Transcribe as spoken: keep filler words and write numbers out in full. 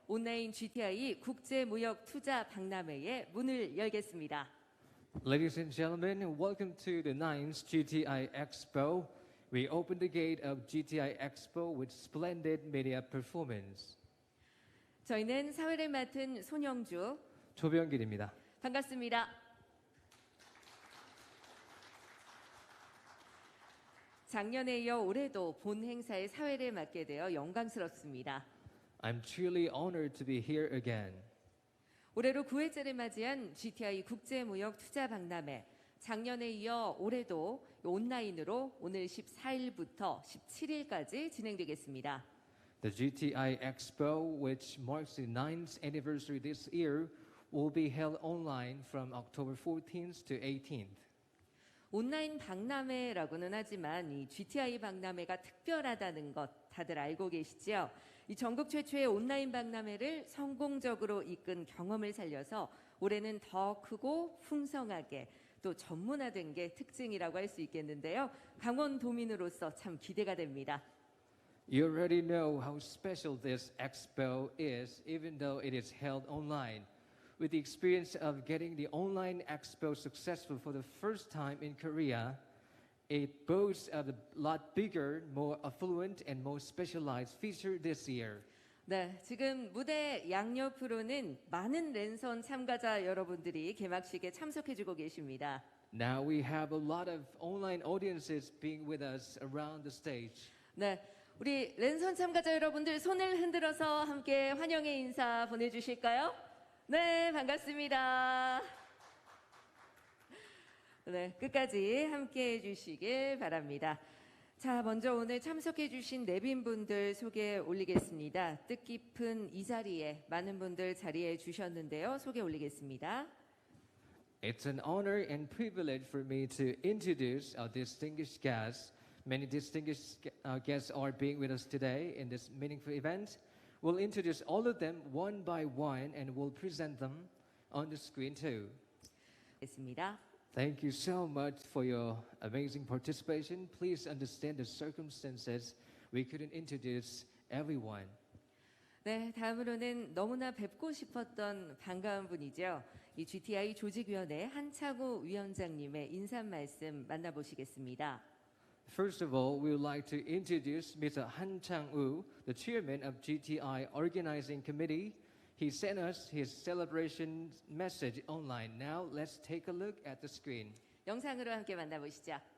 온라인 지티아이 국제무역투자박람회의 문을 열겠습니다. Ladies and gentlemen, welcome to the ninth G T I Expo. We open the gate of G T I Expo with splendid media performance. 저희는 사회를 맡은 손영주, 조병길입니다. 반갑습니다. 작년에 이어 올해도 본 행사의 사회를 맡게 되어 영광스럽습니다. I'm truly honored to be here again. 올해로 구 회째를 맞이한 지티아이 국제무역투자박람회. 작년에 이어 올해도 온라인으로 오늘 십사 일부터 십칠 일까지 진행되겠습니다. The G T I Expo, which marks the ninth anniversary this year, will be held online from October fourteenth to eighteenth. 온라인 박람회라고는 하지만 이 지티아이 박람회가 특별하다는 것 다들 알고 계시죠? 이 전국 최초의 온라인 박람회를 성공적으로 이끈 경험을 살려서 올해는 더 크고 풍성하게 또 전문화된 게 특징이라고 할 수 있겠는데요. 강원도민으로서 참 기대가 됩니다. You already know how special this expo is, even though it is held online. With the experience of getting the online expo successful for the first time in Korea, it boasts of a lot bigger, more affluent, and more specialized feature this year. 네, 지금 무대 양옆으로는 많은 랜선 참가자 여러분들이 개막식에 참석해주고 계십니다. Now we have a lot of online audiences being with us around the stage. 네, 우리 랜선 참가자 여러분들 손을 흔들어서 함께 환영의 인사 보내주실까요? 네, 반갑습니다. 네, 끝까지 함께 해주시길 바랍니다. 자, 먼저 오늘 참석해주신 내빈분들 소개 올리겠습니다. 뜻깊은 이 자리에 많은 분들 자리해 주셨는데요. 소개 올리겠습니다. It's an honor and privilege for me to introduce our distinguished guests. Many distinguished uh, guests are being with us today in this meaningful event. We'll introduce all of them one by one and we'll present them on the screen too. 있습니다. Thank you so much for your amazing participation. Please understand the circumstances. We couldn't introduce everyone. 네, 다음으로는 너무나 뵙고 싶었던 반가운 분이죠. 이 지티아이 조직위원회 한창우 위원장님의 인사 말씀 만나보시겠습니다. First of all, we would like to introduce Mister Han Chang-woo, the chairman of G T I Organizing Committee. He sent us his celebration message online. Now let's take a look at the screen. 영상으로 함께 만나보시죠.